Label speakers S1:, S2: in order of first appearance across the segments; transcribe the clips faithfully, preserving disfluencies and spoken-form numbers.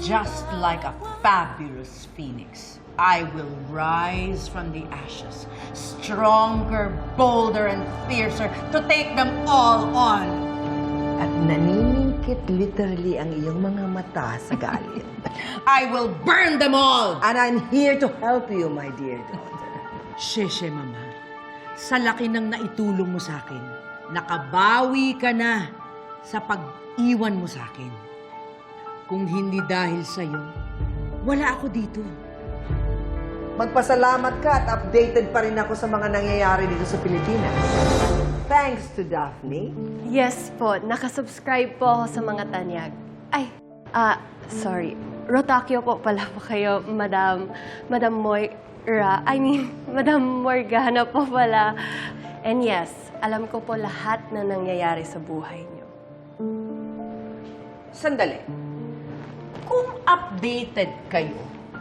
S1: just like a fabulous phoenix, I will rise from the ashes, stronger, bolder, and fiercer to take them all on.
S2: At naniningkit literally ang iyong mga mata sa galit.
S1: I will burn them all!
S2: And I'm here to help you, my dear daughter.
S1: Sheshe, Mama. Sa laki ng naitulong mo sa akin, nakabawi ka na sa pag-iwan mo sa akin. Kung hindi dahil sa'yo, wala ako dito.
S2: Magpasalamat ka at updated pa rin ako sa mga nangyayari dito sa Pilipinas. Thanks to Daphne.
S3: Yes po, nakasubscribe po ako sa mga tanyag. Ay, ah, sorry. Rotakyo po pala po kayo, Madam, Madam Moira. I mean, Madam Morgana po pala. And yes, alam ko po lahat na nangyayari sa buhay niyo.
S1: Sandali. Kung updated kayo,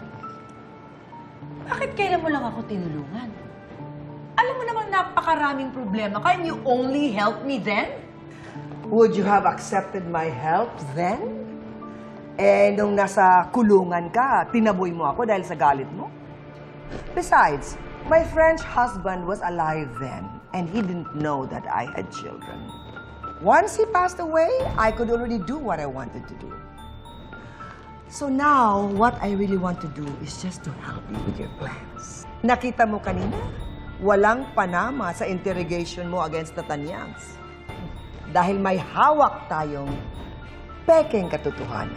S1: bakit kailan mo lang ako tinulungan? Alam mo namang napakaraming problema. Can you only help me then?
S2: Would you have accepted my help then? Eh, nung nasa kulungan ka, tinaboy mo ako dahil sa galit mo? Besides, my French husband was alive then, and he didn't know that I had children. Once he passed away, I could already do what I wanted to do. So now, what I really want to do is just to help you with your plans. Nakita mo kanina, walang panama sa interrogation mo against the Tanyags. Dahil may hawak tayong pekeng katotohanan.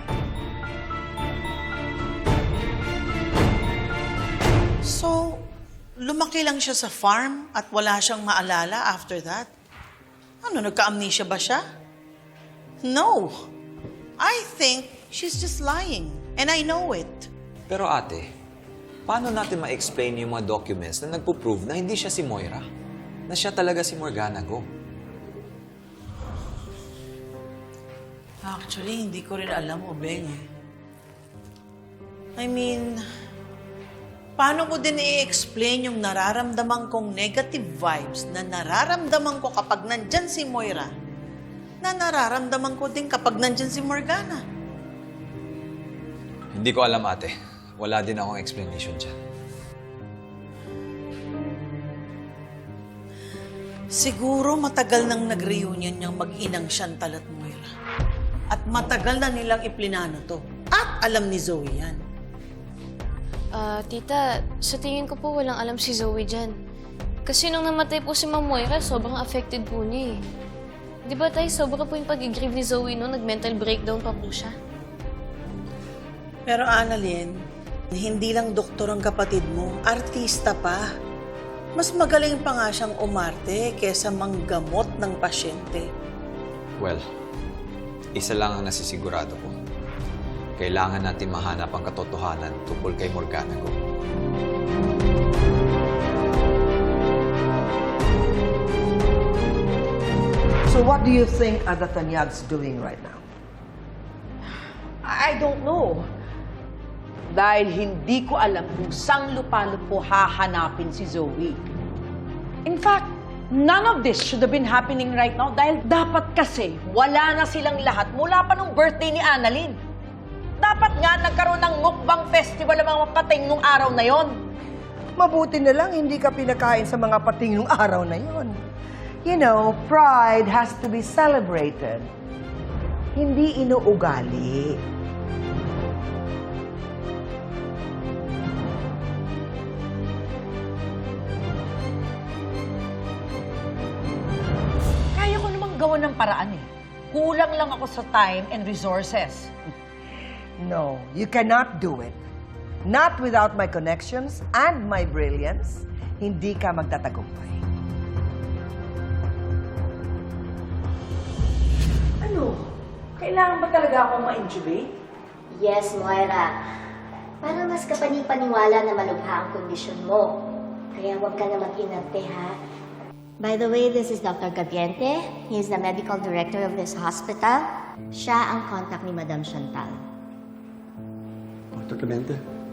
S4: So, lumaki lang siya sa farm at wala siyang maalala after that? Ano, nagka-amnesia ba siya? No. I think she's just lying. And I know it.
S5: Pero ate, paano natin ma-explain yung mga documents na nagpo-prove na hindi siya si Moira? Na siya talaga si Morgana Go?
S4: Actually, hindi ko rin alam, Obeng. eh. I mean, paano ko din i-explain yung nararamdaman kong negative vibes na nararamdaman ko kapag nandyan si Moira, na nararamdaman ko din kapag nandyan si Morgana?
S5: Hindi ko alam, ate. Wala din akong explanation dyan.
S4: Siguro matagal nang nag-reunion yung mag-inang Chantal at Moira. At matagal na nilang iplinano to. At alam ni Zoe yan.
S6: Ah, tita, sa tingin ko po walang alam si Zoe dyan. Kasi nung namatay po si Ma'am Moira, sobrang affected po niya eh. Di ba tayo, sobra po yung pag-grieve ni Zoe noon, nag-mental breakdown pa po siya.
S4: Pero Annalyn, hindi lang doktor ang kapatid mo, artista pa. Mas magaling pa nga siyang umarte kesa manggamot ng pasyente.
S5: Well, isa lang ang nasisigurado ko. Kailangan natin mahanap ang katotohanan tungkol kay Morgana Go.
S2: So what do you think are the Tanyags doing right now?
S1: I don't know. Dahil hindi ko alam kung saan lupa-lupo hahanapin si Zoe. In fact, none of this should have been happening right now dahil dapat kasi wala na silang lahat mula pa nung birthday ni Annalyn. Dapat nga nagkaroon ng mukbang festival ang mga pating nung araw na yon.
S2: Mabuti na lang hindi ka pinakain sa mga pating nung araw na yon. You know, pride has to be celebrated. Hindi inuugali.
S1: Kaya ko namang gawa ng paraan eh. Kulang lang ako sa time and resources.
S2: No, you cannot do it. Not without my connections and my brilliance, hindi ka magtatagumpay.
S1: Ano? Kailangan ba talaga akong ma-intubate?
S7: Yes, Moira. Para mas kapani-paniwala na malubha ang kondisyon mo. Kaya huwag ka na mag-inarte, ha? By the way, this is Doctor Gaviente. He is the medical director of this hospital. Siya ang contact ni Madam Chantal.
S8: Doctor Clemente,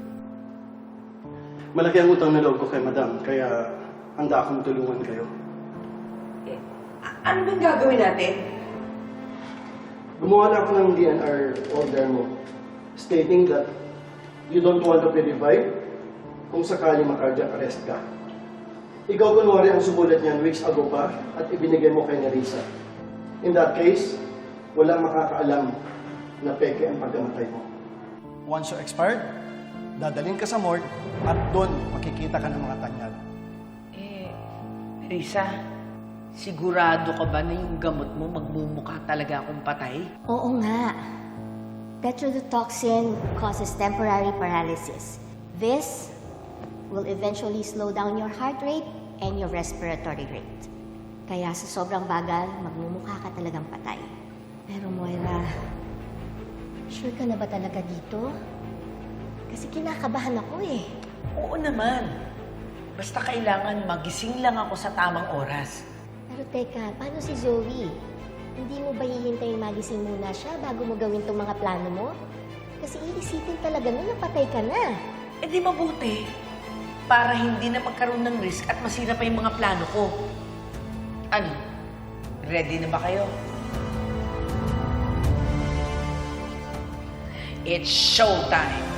S8: malaki ang utang na loob ko kay Madam, kaya handa akong tulungan kayo.
S1: Eh, ano bang gagawin natin?
S8: Gumawa na ako ng D N R order mo stating that you don't want to be revived kung sakaling ma-cardiac arrest ka. Ikaw kunwari ang sumulat niyan weeks ago pa at ibinigay mo kay Nerissa. In that case, walang makakaalam na peke ang pagkamatay mo. Once you expired, dadalhin ka sa morgue at doon makikita ka ng mga tanyag.
S1: Eh, Risa, sigurado ka ba na yung gamot mo magmumukha talaga akong patay?
S7: Oo nga. Petrodotoxin causes temporary paralysis. This will eventually slow down your heart rate and your respiratory rate. Kaya sa sobrang bagal, magmumukha ka talagang patay. Pero Moira, sure ka na ba talaga dito? Kasi kinakabahan ako eh.
S1: Oo naman. Basta kailangan magising lang ako sa tamang oras.
S7: Pero teka, paano si Zoe? Hindi mo ba hihintayin magising muna siya bago mo gawin tong mga plano mo? Kasi iisipin talaga nun na patay ka na.
S1: Eh di mabuti. Para hindi na magkaroon ng risk at masira pa yung mga plano ko. Ano? Ready na ba kayo? It's showtime!